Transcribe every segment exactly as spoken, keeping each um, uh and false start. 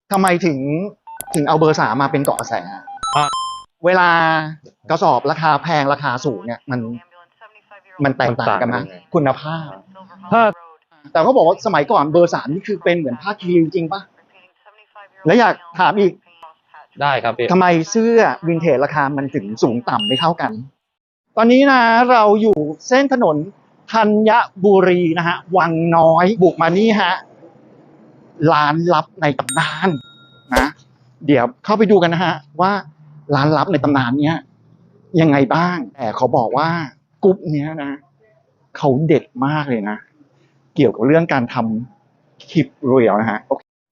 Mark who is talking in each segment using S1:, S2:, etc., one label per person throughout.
S1: ทำไมถึงถึงเอาเบอร์สามมาเป็นเกาะกระแสเวลากระสอบราคาแพงราคาสูงเนี่ยมันมันแตกต่างกันนะคุณภาพถ้าแต่เขาบอกว่าสมัยก่อนเบอร์สามนี่คือเป็นเหมือนผ้าคีริวจริงปะแล้วอยากถามอีก
S2: ได้ครับพี่
S1: ทำไมเสื้อวินเทจราคามันถึงสูงต่ำไม่เท่ากันตอนนี้นะเราอยู่เส้นถนนธัญบุรีนะฮะวังน้อยบุกมานี่ฮะร้านลับในตำนานนะเดี๋ยวเข้าไปดูกันนะฮะว่าร้านลับในตำนานเนี้ยยังไงบ้างแต่เขาบอกว่ากรุ๊ปเนี้ยนะเขาเด็ดมากเลยนะเกี่ยวกับเรื่องการทำคลิปเรียลนะฮะ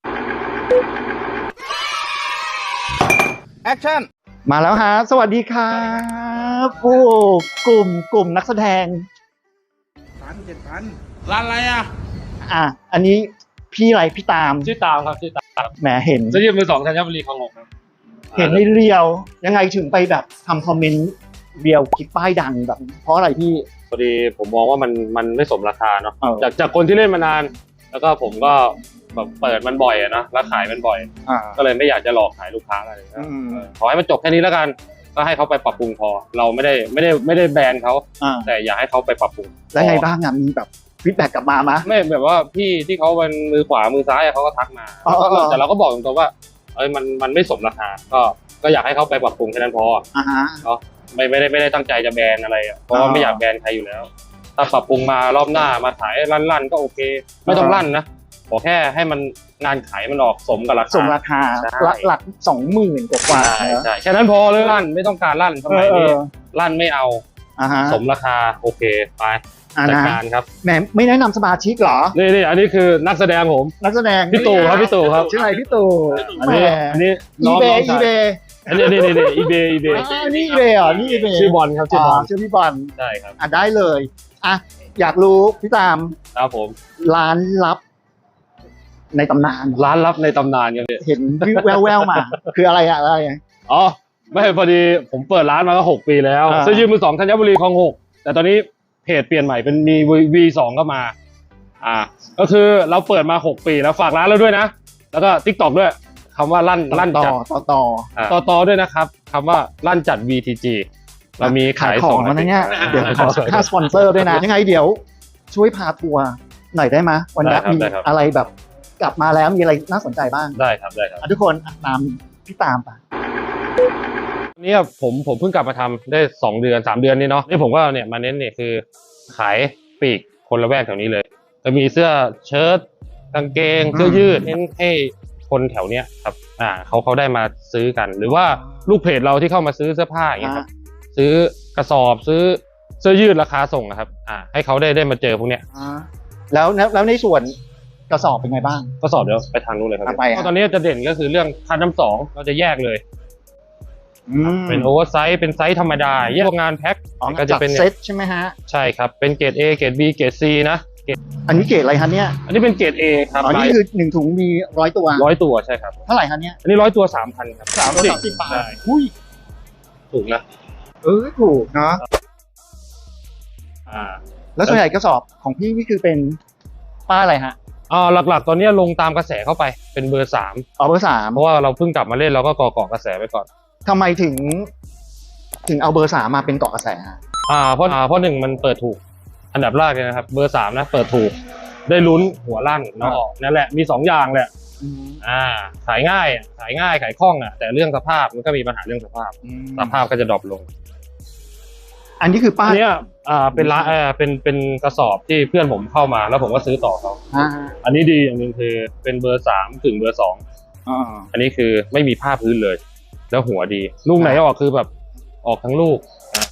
S1: แอคชั่นมาแล้วฮะสวัสดีครับโอ้กลุ่มกลุ่มนักแสดง
S3: พันเจ็ดพันร้านอะไรอ่ะ
S1: อ่ะอันนี้พี่อะไรพี่ตาม
S2: ชื่อตามครับชื่อตาม
S1: แหมเห็น
S2: จะยืมมือสองธัญบุรีคลองหกครับ
S1: เห็นในเรียวยังไงถึงไปแบบทำคอมเมนต์เรียวคลิปป้ายดังแบบเพราะอะไรพี่
S2: พอดีผมมองว่ามันมันไม่สมราคาเนาะจากจากคนที่เล่นมานานแล้วก็ผมก็แบบเปิดมันบ่อยอะนะแล้วขายมันบ่อยก็เลยไม่อยากจะหลอกขายลูกค้าอะไรนะขอให้มันจบแค่นี้แล้วกันก็ให้เขาไปปรับปรุงพอเราไม่ได้ไม่ได้ไม่ได้แบนเขาแต่อยากให้เขาไปปรับปรุง
S1: แล้วไงบ้างมีแบบฟีดแบ็กกลับมาไหม
S2: ไม่แบบว่าพี่ที่เขาเป็นมือขวามือซ้ายเขาก็ทักมาแต่เราก็บอกตรงๆว่าเอ้ยมันมันไม่สมราคาก็ก็อยากให้เขาไปปรับปรุงแค่นั้นพอเนาะไม่ไม่ได้ไม่ได้ตั้งใจจะแบนอะไรเพราะว่าไม่อยากแบนใครอยู่แล้วถ้าปรับปรุงมารอบหน้ามาขายลั่นๆก็โอเคไม่ต้องลั่นนะขอแค่ให้มันงานขายมันออกสมกับราคา
S1: สมราคาหลักหลักสองหมื่นกว่า
S2: ใช่แค่นั้นพอเลยลั่นไม่ต้องการลั่นสมัยนี้ลั่นไม่เอาสมราคาโอเคไปจัดการครับ
S1: แหมไม่แนะนำสมาชิกเหรอ
S2: นี่นี่อันนี้คือนักแสดงผม
S1: นักแสดง
S2: พี่ตู่ครับพี่ตู่ครับ
S1: ชื่ออะไรพี่ตู่
S2: อันนี้อันนี้
S1: อีเบย์อีเบย์
S2: อันนี้นี่นี่อีเบย์อีเบย์
S1: นี่อีเบย์เหรอนี่อีเบย์
S2: ชื่อบอลครับชื่อบอล
S1: ชื่อพี่บอล
S2: ใช่ครับ
S1: อ่ะได้เลยอ่ะอยากรู้พี่ตาม
S2: ครับผม
S1: ร้านลับในตำนาน
S2: ร้านลับในตำนานกันเนี่ย
S1: เห็นแววแววมาคืออะไรอะอะไร
S2: อ๋อไม่พอดีผมเปิดร้านมาก็หกปีแล้วเสื้อยืดมือสองธัญบุรีคลองหกแต่ตอนนี้เพจเปลี่ยนใหม่เป็นมี วี สอง ก็มาอ่าก็คือเราเปิดมาหกปีแล้วฝากร้านเราด้วยนะแล้วก็ TikTok ด้วยคำว่าลั่นลั่นจัด
S1: ต่อต่อ
S2: ต่อต่อด้วยนะครับคำว่าลั่นจัด วี ที จี เรามีขาย
S1: ของนะเนี่ยเดี๋ยวขอค่าสปอนเซอร์ด้วยนะยังไงเดี๋ยวช่วยพาทัวร์หน่อยได้ไหมวันนี้มีอะไรแบบกลับมาแล้วมีอะไรน่าสนใจบ้าง
S2: ได้ครับได้ครับ
S1: ทุกคนตามพี่ตามไป
S2: นี่ผมผมเพิ่งกลับมาทำได้สองเดือนสามเดือนนี่เนาะนี่ผมก็เนี่ยมาเน้นเนี่ยคือขายปีกคนละแวกแถวนี้เลยจะมีเสื้อเชิ้ตกางเกงเสื้อยืดเน้นให้คนแถวเนี้ยครับอ่าเขาเขาได้มาซื้อกันหรือว่าลูกเพจเราที่เข้ามาซื้อเสื้อผ้าอย่างเงี้ยครับซื้อกระสอบซื้อเสื้อยืดราคาส่งนะครับอ่าให้เขาได้ได้มาเจอพวกเนี้ย
S1: แล้วแล้วในส่วนกระสอบเป็นไงบ้าง
S2: กระสอบเดี๋ยวไปทางนู้นเลยครับตอนนี้จะเด่นก็คือเรื่องคันน้ำสองเราจะแยกเลยเป็นโอเวอร์ไซส์เป็นไซส์ธรรมดาแยกงานแพ็ค
S1: ก็จะเป็นเซตใช่ไหมฮะ
S2: ใช่ครับเป็นเกรด A เกรด B เกรด C นะ
S1: อันนี้เกรดอะไรฮะเนี่ย
S2: อันนี้เป็นเกรด A ครับ
S1: อันนี้คือหนึ่งถุงมีร้อยตัว
S2: ร้อยตัวใช่ครับ
S1: เท่าไหร่ฮะเนี่ย
S2: อันนี้ร้อยตัวสามพันครับ
S1: สามร้อยสามสิบบาทหุ้ย
S2: ถูกนะ
S1: เออถูกเนาะอ่าแล้วส่วนใหญ่กระสอบของพี่นี่คือเป็นป้าอะไรฮะ
S2: อ๋อหลักๆตอนนี้ลงตามกระแสเข้าไปเป็นเบอร์สาม
S1: อ๋อเบอร์สาม
S2: เพราะว่าเราเพิ่งกลับมาเล่นเราก็ก่อเกาะกระแสไปก่อน
S1: ทำไมถึงถึงเอาเบอร์สามมาเป็นเกาะกระแส
S2: อ่าเพราะอ่าเพราะหนึ่งมันเปิดถูกอันดับแรกเลยนะครับเบอร์สามนะเปิดถูกได้ลุ้นหัวลั่นเนาะนั่นแหละมีสองอย่างแหละอ่าขายง่ายขายง่ายขายคล่องอ่ะแต่เรื่องสภาพมันก็มีปัญหาเรื่องสภาพสภาพก็จะดรอปลง
S1: อันนี้คือป้าย
S2: เนี้ยอ่าเป็นร้านเออเป็นเป็นกระสอบที่เพื่อนผมเข้ามาแล้วผมก็ซื้อต่อเขาอันนี้ดีอย่างหนึ่งคือเป็นเบอร์สามถึงเบอร์สองอันนี้คือไม่มีผ้าพื้นเลยแล้วหัวดีลูกไหนออกคือแบบออกทั้งลูก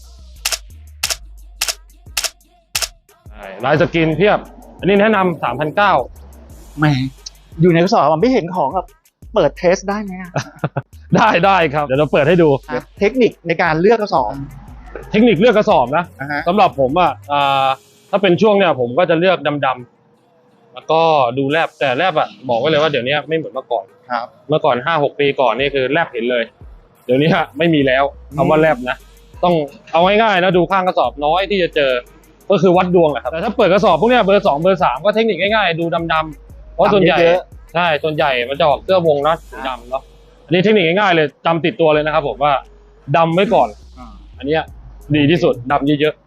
S2: ลายสกินเพียบอันนี้แนะนำสามพันเก้า
S1: แหมอยู่ในกระสอบมันไม่เห็นของแบบเปิดเทสได้ไหม
S2: ได้ได้ครับเดี๋ยวเราเปิดให้ดู
S1: เทคนิคในการเลือกกระสอบ
S2: เทคนิคเลือกกระสอบนะสำหรับผมอ่ะถ้าเป็นช่วงเนี้ยผมก็จะเลือกดำๆแล้วก็ดูแลบแต่แลบอ่ะบอกไว้เลยว่าเดี๋ยวนี้ไม่เหมือนเมื่อก่อน
S1: ครับ
S2: เมื่อก่อนห้าหกปีก่อนนี่คือแลบเห็นเลยเดี๋ยวนี้ไม่มีแล้วคำว่าแลบนะต้องเอาง่ายๆนะดูข้างกระสอบน้อยที่จะเจอก็คือวัดดวงแหละครับแต่ถ้าเปิดกระสอบพวกเนี้ยเบอร์สองเบอร์สามก็เทคนิคง่ายๆดูดำๆเพราะส่วนใหญ่ใช่ส่วนใหญ่มันจะออกเสื้อวงนะสีดำเนาะอันนี้เทคนิคง่ายๆเลยจำติดตัวเลยนะครับผมว่าดำไว้ก่อนอันเนี้ยดีที่สุดดำเยอะ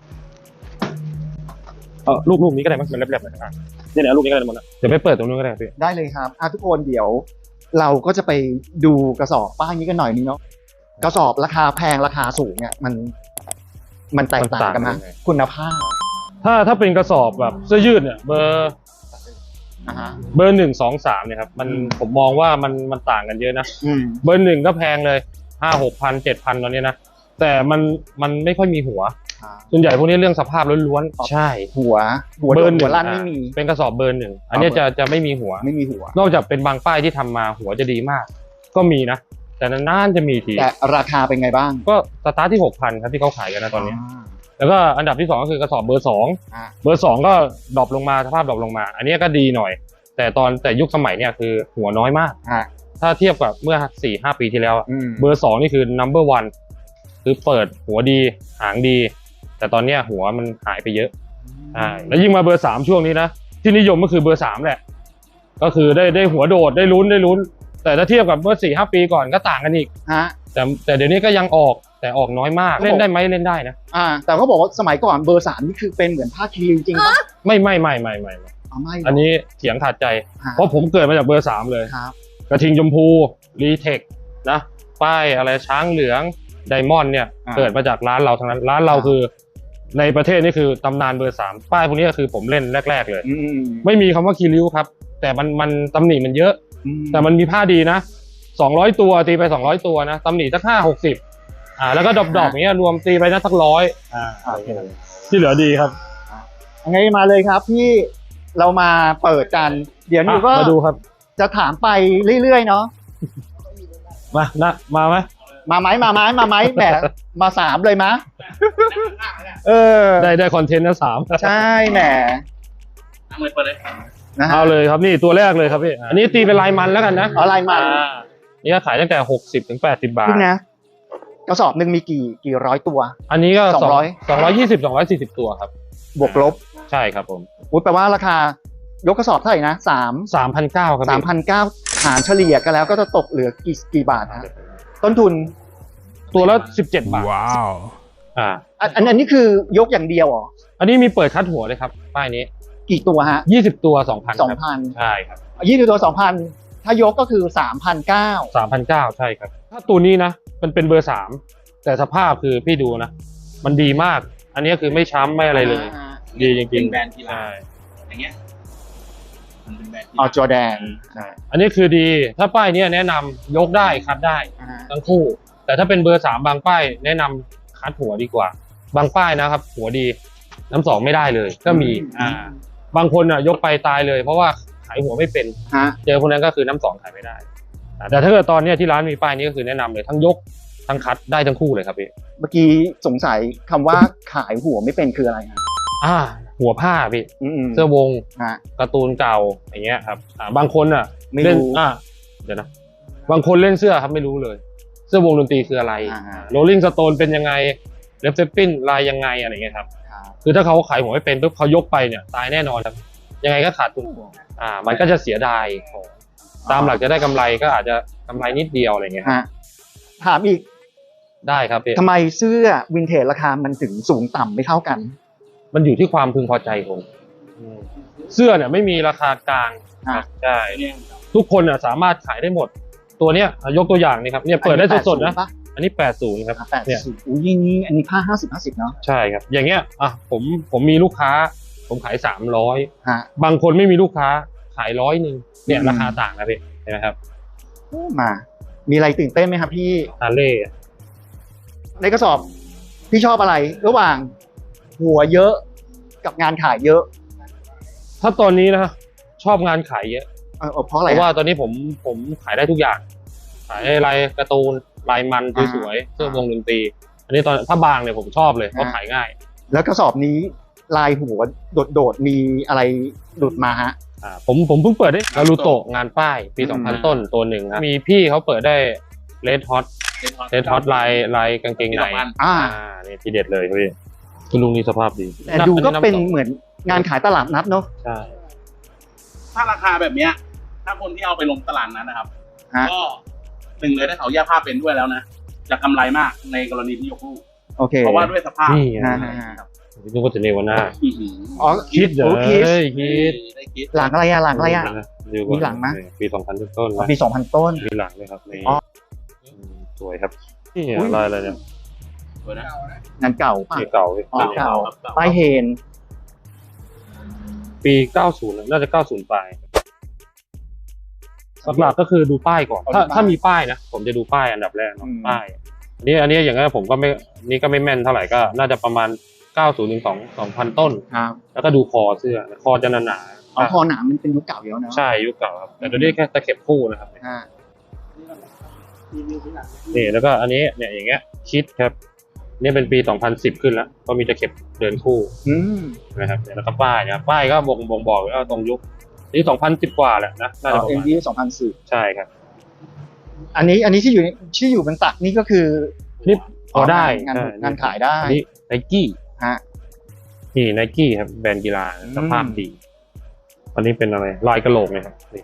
S2: ๆเออลูกลูกนี้ก็ได้มั้ยมันแลบๆหน่อยนะนี่แหละลูกนี้ก็ได้หมดนะเดี๋ยวไปเปิดตรงนู้นก็ได้พี่
S1: ได้เลยครับอ่ะทุกคนเดี๋ยว เราก็จะไปดูกระสอบป้ายนี้กันหน่อยนึงเนาะกระสอบราคาแพงราคาสูงเนี่ยมัน มันแตกต่างกันนะคุณภาพ
S2: ถ้าถ้าเป็นกระสอบแบบเสื้อยืดเนี่ยเบอร์
S1: อ่าฮะ
S2: เบอร์หนึ่งสองสามเนี่ยครับมันผมมองว่ามันมันต่างกันเยอะนะ
S1: อืม
S2: เบอร์หนึ่งก็แพงเลยห้าหกพันเจ็ดพันตอนนี้นะแต่มันมันไม่ค่อยมีหัวส่วนใหญ่พวกนี้เรื่องสภาพล้วนๆใช่
S1: หัวหัว
S2: เบอร์ห
S1: หั
S2: นึ่
S1: ว
S2: ง
S1: ลั่นไม่มี
S2: เป็นกระสอบเบอร์หนึ่งอันนี้จะจะไม่มีหัว
S1: ไม่มีหัว
S2: นอกจากเป็นบางป้ายที่ทำมาหัวจะดีมาก ก็มีนะแต่นานๆจะมีที
S1: แต่ราคาเป็นไงบ้าง
S2: ก็สตาร์ทที่หกพันครับที่เขาขายกันนะตอนนี้
S1: า
S2: แล้วก็อันดับที่สองก็คือกระสอบเบอร์สอง
S1: อ่า
S2: เบอร์สองก็ดรอปลงมาสภาพดรอปลงมา อันนี้ก็ดีหน่อย แต่ตอนแต่ยุคสมัยเนี่ยคือหัวน้อยมาก
S1: อ่า
S2: ถ้าเทียบกับเมื่อสี่ห้าปีที่แล้วอะ
S1: อืม
S2: เบอร์สองนี่คือ number one คือเปิดหัวดีหางดี แต่ตอนเนี้ยหัวมันหายไปเยอะใช่แล้วยิ่งมาเบอร์สามช่วงนี้นะที่นิยมก็คือเบอร์สามแหละก็คือได้ได้หัวโดดได้ลุ้นได้ลุ้น แต่ถ้าเทียบกับเมื่อสี่ห้าปีก่อนก็ต่างกันอีก
S1: ฮะ
S2: แต่แต่เดี๋ยวนี้ก็ยังออกแต่ออกน้อยมากเล่นได้ไหมเล่นได้นะ
S1: อ่า แต่เขาบอกว่าสมัยก่อนเบอร์สามนี่คือเป็นเหมือนผ้าคีริวจริงปะ
S2: ไม่ไม่ไม่ไม่ไม่ไม่
S1: อ๋อไม่หร
S2: อันนี้เถียงขาดใจ
S1: ฮะ
S2: เพราะผมเกิดมาจากเบอร์สามเลย
S1: ครับ
S2: กระทิงชมพูรีเทคนะป้ายอะไรช้างเหลืองไดมอนด์เนี่ย
S1: อ่า
S2: เกิดมาจากร้านเราทั้งนั้นร้านเรา
S1: อ่า
S2: คือ ในประเทศนี่คือตำนานเบอร์สามป้ายพวกนี้ก็คือผมเล่นแรก ๆ เลย
S1: อืม
S2: ไม่มีคำว่าคีริ้วครับ แต่มันมันตำหนิมันเยอะ
S1: อืม
S2: แต่มันมีผ้าดีนะสองร้อยตัวตีไปสองร้อยตัวนะตำหนิสักห้าหกสิบอ่าแล้วก็ดอกๆอย่างเงี้ยรวมตีไปนะสักร้อยอ่า
S1: โอเค
S2: ที่เหลือดีครับ
S1: ไงมาเลยครับพี่เรามาเปิดกัน เดี๋ยวนี้ก็
S2: มาดูครับ
S1: จะถามไปเรื่อยๆเนาะ
S2: มานะมาไหม
S1: มาไหมมาไหมมาไหมแหมมาสามเลยมะเออ
S2: ได้ได้คอนเทนต์นะสาม
S1: ใช่แหม
S3: เอาเลยเปิดเลย
S1: นะฮะ
S2: เอาเลยครับนี่ตัวแรกเลยครับพี่อันนี้ตีเป็นลายมันแล้วกันนะ
S1: เอาลายมัน
S2: อ่านี่ก็ขายตั้งแต่หกสิบถึงแปดสิบบาท
S1: พี่นะกระสอบหนึ่งมีกี่กี่ร้อยตัว
S2: อันนี้ก็
S1: สองร้อย
S2: สองร้อยยี่สิบสองร้อยสี่สิบตัวครับ
S1: บวกลบ
S2: ใช่ครับผม
S1: อุ้ยแปลว่าราคายกกระสอบเท่าไหร่นะสาม
S2: สามพันเก้าครับ
S1: สามพันเก้าหารเฉลี่ยกันแล้วก็จะตกเหลือกี่กี่บาทฮะต้นทุน
S2: ตัวละสิบเจ็ดบาท
S3: ว้าว
S2: อ่า
S1: อันอันอันนี้คือยกอย่างเดียวเหรอ
S2: อันนี้มีเปิดคัดหัวเลยครับป้ายนี้
S1: กี่ตัวฮะ
S2: ยี่สิบตัวสองพัน
S1: สองพัน
S2: ใช่ครับ
S1: ยี่สิบตัวสองพันถ้ายกก็คือสามพันเก้า
S2: สามพันเก้าใช่ครับ ถ้าตัวนี้นะมันเป็นเบอร์สามแต่สภาพคือพี่ดูนะ มันดีมาก อันนี้คือไม่ช้ำไม่อะไรเลย ดีจริงๆ
S3: เป็นแบรนด์กีฬา
S2: ใช่
S3: อย่างเงี้ยมันเป็นแบรนด์กีฬา
S1: เอาจอแดน
S2: ใช่อันนี้คือดีถ้าป้ายเนี้ยแนะนำยกได้คัดได้
S1: อ่า
S2: ทั้งคู่ แต่ถ้าเป็นเบอร์สามบางป้ายแนะนำคัดหัวดีกว่า บางป้ายนะครับ หัวดีน้ำสองไม่ได้เลย ก็มีอ่าบางคนอ่ะยกไปตายเลย เพราะว่าขายหัวไม่เป็น
S1: ฮะ
S2: เจอคนนั้นก็คือน้ำสองขายไม่ได้อ่าแต่ถ้าเกิดตอนเนี้ยที่ร้านมีป้ายนี้ก็คือแนะนำเลยทั้งยกทั้งคัดได้ทั้งคู่เลยครับพี่
S1: เมื่อกี้สงสัยคำว่าขายหัวไม่เป็นคืออะไรฮะ
S2: อ่า หัวผ้าพี่
S1: อืม
S2: เสื้อวง
S1: ฮะ
S2: การ์ตูนเก่าอย่างเงี้ยครับอ่าบางคนอ่ะ
S1: ไม่
S2: เล่น
S1: รู้
S2: อ่าเดี๋ยวนะบางคนเล่นเสื้อครับไม่รู้เลย เสื้อวงดนตรีคืออะไร
S1: อ่า
S2: โรลลิงสโตนเป็นยังไงเลฟเซปปินลายยังไงอะไรเงี้ยครับ
S1: ครับ
S2: คือถ้าเขาขายหัวไม่เป็นปุ๊บเขายกไปเนี่ยตายแน่นอนครับยังไงก็ขาดทุนอ่า มันก็จะเสียดายของตามหลักจะได้กำไรก็อาจจะกำไรนิดเดียวอะไรเงี้ยครับ
S1: ฮะถามอีก
S2: ได้ครับพี่
S1: ทำไมเสื้อวินเทจราคามันถึงสูงต่ำไม่เท่ากัน
S2: มันอยู่ที่ความพึงพอใจผมอืมเสื้อเนี่ยไม่มีราคากลาง
S1: อ่ะ
S2: ใช่ทุกคนอ่ะสามารถขายได้หมด ตัวเนี้ยอ่ะยกตัวอย่างนี่ครับเนี่ยเปิดได้สดๆนะ
S1: ปะ
S2: อันนี้แปดสิบครับ
S1: แปด
S2: เนี่ย
S1: สิบอุ้ยอย่างนี้อันนี้ผ้าห้าสิบห้าสิบเนาะ
S2: ใช่ครับ อย่างเงี้ยอ่ะผมผมมีลูกค้า ผมขายสามร้อย
S1: ฮะ
S2: บางคนไม่มีลูกค้าขายร้อยหนึ่งเนี่ย
S1: อืม
S2: ราคาต่างนะพี่เห็นไหมครับ
S1: มา มีอะไรตื่นเต้นไหมครับพี่
S2: ฮาร์เลย์
S1: ในกระสอบพี่ชอบอะไร ระหว่างหัวเยอะกับงานขายเยอะ
S2: ถ้าตอนนี้นะชอบงานขายเยอะ
S1: เออเพราะอะ
S2: เพ
S1: ไร
S2: ราะว่า
S1: ฮะ
S2: ตอนนี้ผมผมขายได้ทุกอย่าง ขายลายการ์ตูนลายมัน
S1: อ่า
S2: สวยๆเสื้อวงดนตรี อันนี้ตอนถ้าบางเนี่ยผมชอบเลยเพราะ
S1: อ่า
S2: ขายง่าย
S1: แล้วกระสอบนี้ลายหัวโดดๆมีอะไรหลุดมาฮะ
S2: อ่าผมผมเพิ่งเปิดได้นารูโตะงานป้ายปี
S1: อืม
S2: สองพันต้นตัวหนึ่งครับมีพี่เขาเปิดได้เลดฮอตเลดฮอตลายลายกางเกงใน
S1: อ่า
S2: อ่านี่ทีเด็ดเลยพี่คุณลุงนี่สภาพดี
S1: แต่ดูก็
S2: ำ
S1: เป็น
S2: ำสอง
S1: เหมือนงานขายตลาดนัดเนาะ
S2: ใช่
S3: ถ้าราคาแบบเนี้ยถ้าคนที่เอาไปลงตลาดนั้นนะครับ
S1: ฮะ
S3: ก็หนึ่งเลยถ้าเขาแยกผ้าเป็นด้วยแล้วนะจะกำไรมากในกรณีที่ยกลูก
S1: โอเค
S3: เพราะว่าด้วยสภาพ
S2: นี่
S1: ฮะ
S2: ไง
S1: ฮะฮะ
S2: นึกว่าจะเนวาน่า
S3: อื้อหือ
S1: อ๋อ
S2: คิดเหรอ
S1: โอเค
S2: เฮ้ยคิด
S3: ได้คิด
S1: หลังอะไรอะหลังอะไรอะ
S2: ดูก่อน
S1: มีหลังไหม
S2: ปีสองพันต้นๆนะ
S1: ปีสองพันต้น
S2: มีหลังเลยครับนี่
S1: อ๋อ
S2: มสวยครับนี่
S1: อุ๊ย
S2: ลายอะไรเนี่ย
S3: สวยนะ
S1: งานเก่าป่ะ
S2: ปีเก่าพี่
S1: อ๋อเก่า
S3: ครับ
S1: ป้ายเฮน
S2: ปีเก้าสิบน่าจะเก้าสิบปลายหลักๆก็คือดูป้ายก่อน ถ้าถ้ามีป้ายนะผมจะดูป้ายอันดับแรกเนาะป้ายอันนี้อันนี้อย่างนั้นผมก็ไม่นี่ก็ไม่แม่นเท่าไหร่ก็น่าจะประมาณเก้าสิบถึงสอง สองพันต้น
S1: ครับ
S2: แล้วก็ดูคอเสื้อคอจะหนาๆ
S1: อ๋อคอหนามมันเป็นยุคเก่าอยู่แล้วเนาะ
S2: ใช่ยุคเก่าครับแต่ตัวนี้แค่ตะเข็บคู่นะครับ
S1: ฮะ
S2: นี่แล้วก็อันนี้เนี่ยอย่างเงี้ยคิดครับนี่เป็นปีสองพันสิบขึ้นแล้วก็มีตะเข็บเดินคู่
S1: อืม
S2: นะครับเนี่ยแล้วก็ป้ายนะครับป้ายก็บ่งบ่งบอกว่าตรงยุคนี่สองพันสิบกว่าแหละนะน่าจะประ
S1: เอ็น
S2: มาณ
S1: ดีสองพันสี่
S2: ใช่ครับ
S1: อันนี้อันนี้ที่อยู่ในที่อยู่บนตักนี่ก็คือ
S2: นี่พอได้
S1: งาน
S2: ใช่
S1: งานขายได้
S2: อันนี้ไนกี้
S1: ฮะ
S2: นี่ไนกี้ครับแบรนด์กีฬาสภาพดีอันนี้เป็นอะไรลายกระโหลกเนี่ยครับนี่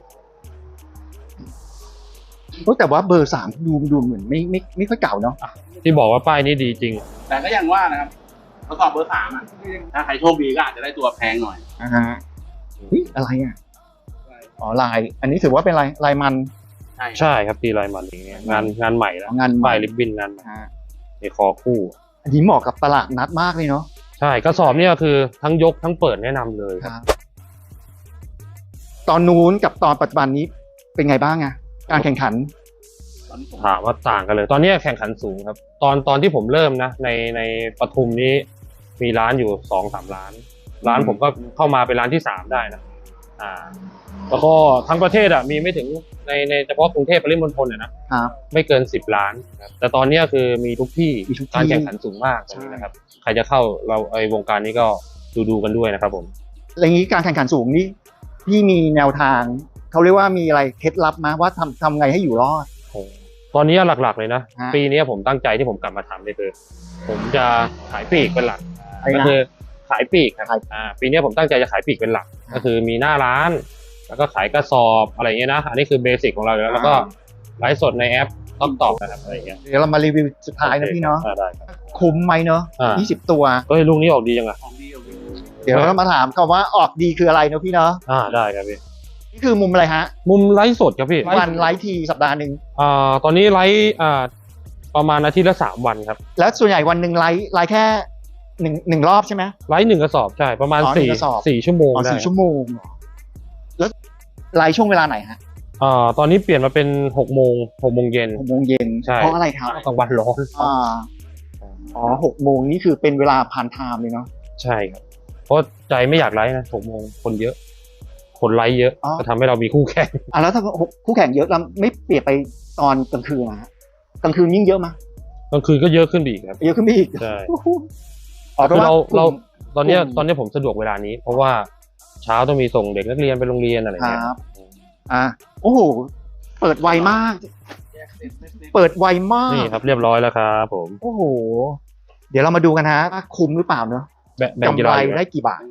S1: โอ้แต่ว่าเบอร์สามดูดูเหมือนไม่ไม่ไม่ค่อยเก่าเนาะ
S2: ที่บอกว่าป้ายนี้ดีจริง
S3: แต่ก็ยังว่านะครับทดสอบเบอร์สามอ่ะถ้าใครโชคดีก็อาจจะได้ตัวแพงหน่อย
S1: อ่าฮะเฮ้ยอะไรอ่ะอ๋อลาย อันนี้ถือว่าเป็นลายลายมัน
S3: ใช่
S2: ใช่ครับตีลายมันอย่างเงี้ยงานงานใหม่แล้ว
S1: งานใหม่
S2: ป้ายริบบิ้นงานใหม่
S1: ฮะ
S2: ในคอคู่
S1: อันนี้เหมาะกับตลาดนัดมากเลยเนาะ
S2: ใช่กระสอบเนี่ยคือทั้งยกทั้งเปิดแนะนำเลย
S1: ครับ ตอนนู้นกับตอนปัจจุบันนี้เป็นไงบ้างอะการแข่งขัน
S3: ตอนนี้ผม
S2: ถามว่าต่างกันเลย ตอนนี้แข่งขันสูงครับ ตอนตอนที่ผมเริ่มนะในในปทุมนี้มีร้านอยู่สองสามร้าน ร้านผมก็เข้ามาเป็นร้านที่สามได้นะอ่า แล้วก็ทั้งประเทศอ่ะมีไม่ถึงในในเฉพาะกรุงเทพปริมณฑลเนี่ยนะครับ ไม่เกินสิบล้านครับแต่ตอนนี้คือมีทุกที่
S1: มีทุกที่
S2: การแข่งขันสูงมากตรงนี้นะครับ ใครจะเข้าเราไอวงการนี้ก็ดูดูกันด้วยนะครับผม
S1: อะไรอย่างนี้การแข่งขันสูงนี่พี่มีแนวทางเขาเรียกว่ามีอะไรเคล็ดลับมาว่าทำทำไงให้อยู่รอด
S2: ตอนนี้หลักๆเลยนะ
S1: ฮะ
S2: ปีนี้ผมตั้งใจที่ผมกลับมาทำเลยคือผมจะขายปลีกเป็นหลัก
S1: อะไรนะ
S2: ก็คือขายปลีกครับ
S1: ขาย
S2: อ่าปีนี้ผมตั้งใจจะขายปลีกเป็นหลัก ก็คือมีหน้าร้าน แล้วก็ขายกระสอบอะไรเงี้ยนะอันนี้คือเบสิกของเราอยู่แล้วแล้วก็ไลฟ์สดในแอปท็อกตอกนะครับอะไรเงี้ย
S1: เดี๋ยวเรามารีวิวสุดท้ายนะพี่เนาะ
S2: อ่ได้ครับ
S1: คุ้มไหมเนาะ
S2: อ่า
S1: ยี่สิบตัว
S2: เฮ้ยลูกนี้ออกดีจังอะ
S3: ของดีของดี
S1: เดี๋ยวเรามาถามกันว่าออกดีคืออะไรเนาะพี่เนาะ
S2: อ่าได้ครับพี่
S1: นี่คือมุมอะไรฮะ
S2: มุมไลฟ์สดครับพี่
S1: วันไลฟ์ทีสัปดาห์หนึ่ง
S2: อ่าตอนนี้ไลฟ์อ่าประมาณอาทิตย์ละสามวันครับ
S1: แล้วส่วนใหญ่วันหนึ่งไลฟ์ไลฟ์แค่หนึ่งหนึ่งรอบใช่ไหม
S2: ไลฟ์หนึ่งกระสอบใช่ประมาณ
S1: อ๋อหนึ่
S2: สี่
S1: งกระสอบ
S2: สี่ชั่วโมง
S1: อ๋อ
S2: ได้
S1: สี่ชั่วโมงเหรอแล้วไลฟ์ช่วงเวลาไหนฮะ
S2: อ่าตอนนี้เปลี่ยนมาเป็นหกโมงหกโมงเย็น
S1: หกโมงเย็น
S2: ใช่
S1: เพราะอะไรครับ
S2: กลางวันร้อน
S1: อ่าอ๋อหกโมงนี่คือเป็นเวลาพานไทม์เลยเนาะ
S2: ใช่ครับ เพราะใจไม่อยากไลฟ์นะหกโมงคนเยอะ คนไลฟ์เยอะ
S1: อ๋อ
S2: จะทำให้เรามีคู่แข่ง
S1: อ่ะแล้วถ้าคู่แข่งเยอะเราไม่เปลี่ยนไปตอนกลางคืนนะฮะกลางคืนยิ่งเยอะมั้ย
S2: กลางคืนก็เยอะขึ้นไปอีกครับ
S1: เยอะขึ้นไปอีก
S2: ใช่
S1: อ๋อ
S2: คือเรา
S1: พะว่
S2: เราตอนเนี้ย
S1: กลุ่ม
S2: ตอนเนี้ยผมสะดวกเวลานี้ เพราะว่าเช้าต้องมีส่งเด็กนักเรียนไปโรงเรียนอะไร
S1: ค
S2: เงี้ย
S1: รับอ่ะโอ้โหเปิดไวมาก เปิดไวมาก
S2: นี่ครับเรียบร้อยแล้วครับผม
S1: โอ้โห เดี๋ยวเรามาดูกันฮะว่าคุ้มหรือเปล่าเนอะ
S2: แบแบ่ง
S1: กำ
S2: กี
S1: ไร
S2: ฬาอยู่
S1: ได้กี่บาท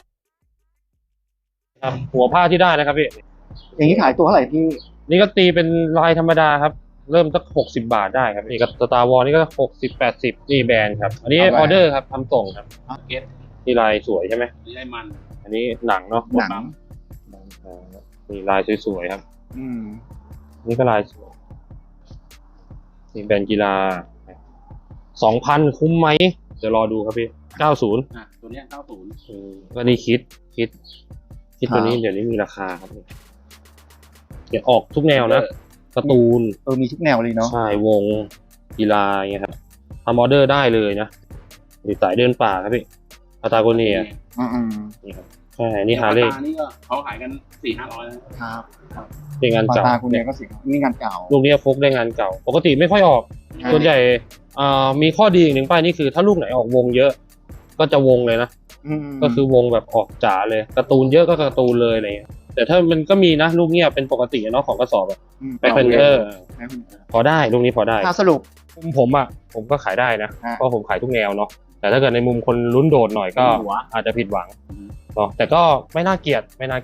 S2: ครับหัวผ้าที่ได้นะครับพี่
S1: อย่างนี้ขายตัวเท่าไหร่พี่
S2: นี่ก็ตีเป็นลายธรรมดาครับ เริ่มสักหกสิบบาทได้ครับนี่ก็สตาร์วอลนี่ก็หกสิบแปดสิบนี่แบรนด์ครับ อันนี้
S1: เอา
S2: อ
S1: ไป
S2: อเดอร์ครับทำส่งครับ
S3: เก็ต
S2: นี่ลายสวยใช่ไหม
S3: นี่ได้มัน
S2: อันนี้หนังเนาะ
S1: หนัง
S2: อ่านี่ลายสวยๆครับ
S1: อืม
S2: นี่ก็ลายสวยนี่แบรนด์กีฬาสองพันคุ้มไหมเดี๋ยวรอดูครับพี่เก้าศูนย์
S3: อ่ะตัวเนี้ยเก้าศูนย์
S2: ก็นี่คิดคิด คิดตัวนี้เดี๋ยวนี้มีราคาครับเดี๋ยวออกทุกแนวนะการ์ตูน
S1: เออมีทุกแนวเลยเนาะ
S2: ใช่วงกีฬาอย่างเงี้ยครับทำออเดอร์ได้เลยนะนี่สายเดินป่าครับพี่พาตาโกเนีย
S1: อืมอืม
S2: นี่ครับใช่นี่ฮาร์เลย์
S3: ปกตินี่ก็เขาขายกันสี่ห้าร้อยนะครับ
S2: เป็นงาน
S1: ปา
S2: เก่า
S1: ตาคุณเนี่ยก็สินี่งานเก่า
S2: ลูกนี้พกได้งานเก่า ปกติไม่ค่อยออก
S1: อ่า
S2: ส่วนใหญ่อ่ามีข้อดีอีกหนึ่งป้ายนี่คือถ้าลูกไหนออกวงเยอะ ก็จะวงเลยนะ
S1: อืม
S2: ก็คือวงแบบออกจ๋าเลยการ์ตูนเยอะก็การ์ตูนเลยอะไรเงี้ยแต่ถ้ามันก็มีนะลูกเนี้ยเป็นปกติเนาะของกระสอบแบบ
S1: ม
S2: แบ็คเพนเทอร์
S1: แบ็คเพนเทอร์
S2: พอได้ลูกนี้พอได้
S1: ถ้าสรุป
S2: มุมผมอ่ะผมก็ขายได้นะ
S1: ฮะ
S2: เพราะผมขายทุกแนวเนาะแต่ถ้าเกิดในมุมคนลุ้นโดดหน่อยก็อาจจะผิดหวังเนาะแต่ก็ไม่น่าเกลียดไม่น่าเกลียด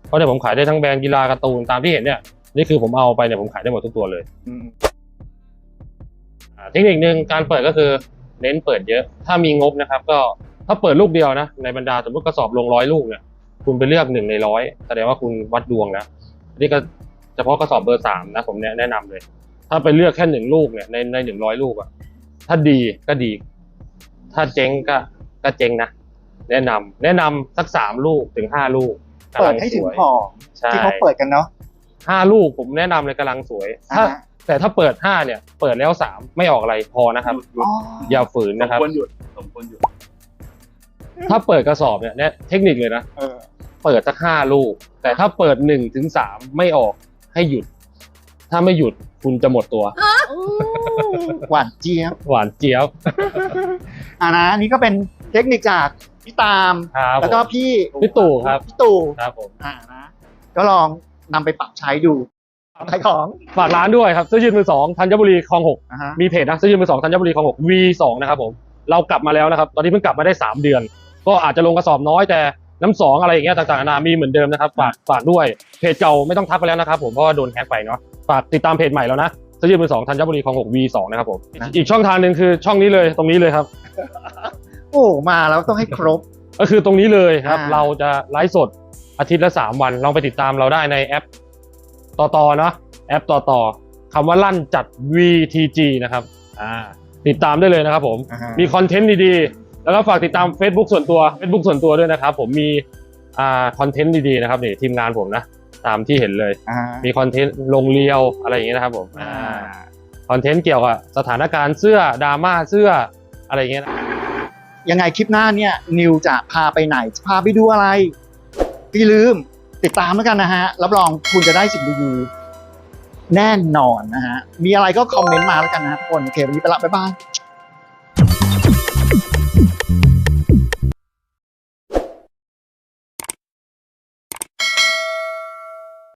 S2: เพราะเนี่ยผมขายได้ทั้งแบรนด์กีฬาการ์ตูนตามที่เห็นเนี่ยนี่คือผมเอาไปเนี่ยผมขายได้หมดทุกตัวเลย
S1: อืม
S2: อ่าเทคนิคหนึ่งการเปิดก็คือเน้นเปิดเยอะถ้ามีงบนะครับก็ถ้าเปิดลูกเดียวนะในบรรดาสมมติกระสอบลงร้อยลูกเนี่ยคุณไปเลือกหนึ่งในร้อยแสดงว่าคุณวัดดวงแล้วนี่ก็เฉพาะกระสอบเบอร์สามนะผมแนะนำเลย ถ้าไปเลือกแค่หนึ่งลูกเนี่ยในในหนึ่งร้อยลูกอะถ้าดีก็ดี ถ้าเจ๊งก็ก็เจ๊งนะแนะนำแนะนำสักสามลูกถึงห้าลูก
S1: เปิดให้ถึงพอ
S2: ใช่
S1: ที่เขาเปิดกันเนาะ
S2: ห้าลูกผมแนะนำเลยกำลังสวยถ้า
S1: อ่าฮะ
S2: แต่ถ้าเปิดห้าเนี่ยเปิดแล้วสามไม่ออกอะไรพอนะครับ
S3: หยุด
S1: อ๋อ
S2: อย่าฝืน
S3: สม
S2: นะครับ
S3: ควรหยุดสมควรหยุด
S2: ถ้าเปิดกระสอบเนี่ยเนี่ยเทคนิคเลยนะ
S1: เออ
S2: เปิดสักห้าลูก แต่ถ้าเปิดหนึ่งถึงสามไม่ออกให้หยุด ถ้าไม่หยุดคุณจะหมดตัว
S1: หวานเจี๊ยบ
S2: หวานเจี๊ยบ
S1: อ่านะอันนี้ก็เป็นเทคนิคจากพี่ตาม
S2: ครับ
S1: แล้วก็
S2: ผม
S1: พี่
S2: พี่ตู่ครับ
S1: พี่ตู่
S2: ครับผม
S1: อ่านะก็ลองนำไปปรับใช้ดูขายของ
S2: ฝากร้านด้วยครับเสื้อยืดมือสองธัญบุรีคลองหก
S1: อ่าฮะ
S2: มีเพจนะเสื้อยืดมือสองธัญบุรีคลองหก วี สองนะครับผมเรากลับมาแล้วนะครับ ตอนนี้เพิ่งกลับมาได้สามเดือน ก็อาจจะลงกระสอบน้อยแต่น้ำสองอะไรอย่างเงี้ยต่างๆนานามีเหมือนเดิมนะครับฝากฝากด้วยเพจเก่าไม่ต้องทักไปแล้วนะครับผมเพราะว่าโดนแฮ็กไปเนาะฝากติดตามเพจใหม่แล้วนะเสื้อยืดมือสองธัญบุรีคลองหก วี สองนะครับผมอีกช่องทางหนึ่งคือช่องนี้เลยตรงนี้เลยครับ
S1: โอ้มาแล้วต้องให้ครบ
S2: ก็คือตรงนี้เลยครับ
S1: อ่า
S2: เราจะไลฟ์สดอาทิตย์ละสามวันลองไปติดตามเราได้ในแอปต่อต่อเนาะแอปต่อต่อคำว่าลั่นจัด วี ที จี นะครับอ่าติดตามได้เลยนะครับผม
S1: อ่าฮะ
S2: มีคอนเทนต์ดีๆแล้วก็ฝากติดตาม Facebook ส่วนตัว Facebook ส่วนตัวด้วยนะครับผมมีอ่าคอนเทนต์ดีๆนะครับนี่ทีมงานผมนะตามที่เห็นเลย
S1: อ่า
S2: มีคอนเทนต์ลงเรียวอะไรอย่างเงี้ยนะครับผม
S1: อ่า
S2: อ่าคอนเทนต์เกี่ยวกับสถานการณ์เสื้อดราม่าเสื้ออะไรอย่างเงี้ยนะ
S1: ยังไงคลิปหน้าเนี่ยนิวจะพาไปไหนจะพาไปดูอะไรพี่ลืมติดตามแล้วกันนะฮะรับรองคุณจะได้สิ่งดีๆแน่นอนนะฮะมีอะไรก็คอมเมนต์มาแล้วกันนะทุกคนโอเควันนี้ไปละบ๊ายบาย